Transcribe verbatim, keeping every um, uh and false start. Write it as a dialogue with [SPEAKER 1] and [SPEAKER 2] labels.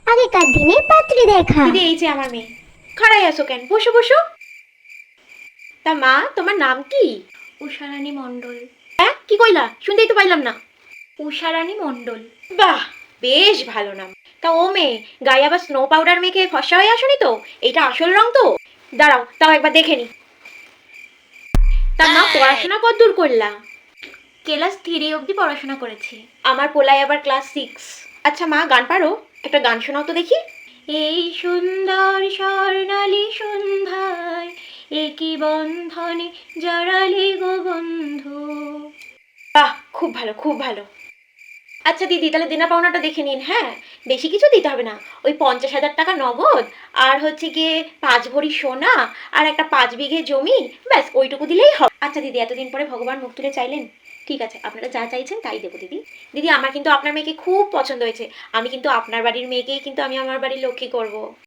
[SPEAKER 1] আগেকার দিনে পাত্রী দেখা।
[SPEAKER 2] দিদি এই যে আমার মেয়ে। খাড়াই আছো কেন? বসো বসো। তা মা, তোমার নাম কি?
[SPEAKER 3] উষারানী মণ্ডল।
[SPEAKER 2] হ্যাঁ, কি কইলা? শুনতেই তো পাইলাম না।
[SPEAKER 3] উষারানী মণ্ডল।
[SPEAKER 2] বাহ, বেশ ভালো নাম। তা ও মেয়ে, গায়ে আবার স্নো পাউডার মেখে ফর্সা হয়ে আসনি তো? এটা আসল রং তো? দাঁড়াও, তাও একবার দেখে নি। তা মা, পড়াশোনা কতদূর করলা?
[SPEAKER 3] ক্লাস থ্রি অবধি পড়াশোনা করেছি।
[SPEAKER 2] আমার পোলাই আবার ক্লাস সিক্স। আচ্ছা মা, গান পারো? একটা গান শোনাও তো দেখি।
[SPEAKER 3] এই সুন্দর স্বর্ণালী সন্ধ্যায় একই বন্ধনে জড়ালি গো বন্ধু।
[SPEAKER 2] বাহ, খুব ভালো খুব ভালো। আচ্ছা দিদি, তাহলে দেনা পাওনাটা দেখে নিন। হ্যাঁ, বেশি কিছু দিতে হবে না। ওই পঞ্চাশ হাজার টাকা নগদ, আর হচ্ছে গিয়ে পাঁচ ভরি সোনা, আর একটা পাঁচ বিঘে জমি, ব্যাস ওইটুকু দিলেই হবে। আচ্ছা দিদি, এতদিন পরে ভগবান মুখ তুলে চাইলেন, ঠিক আছে, আপনারা যা চাইছেন তাই দেবো দিদি। দিদি, আমার কিন্তু আপনার মেয়েকে খুব পছন্দ হয়েছে। আমি কিন্তু আপনার বাড়ির মেয়েকেই কিন্তু আমি আমার বাড়ির লক্ষ্মী করব।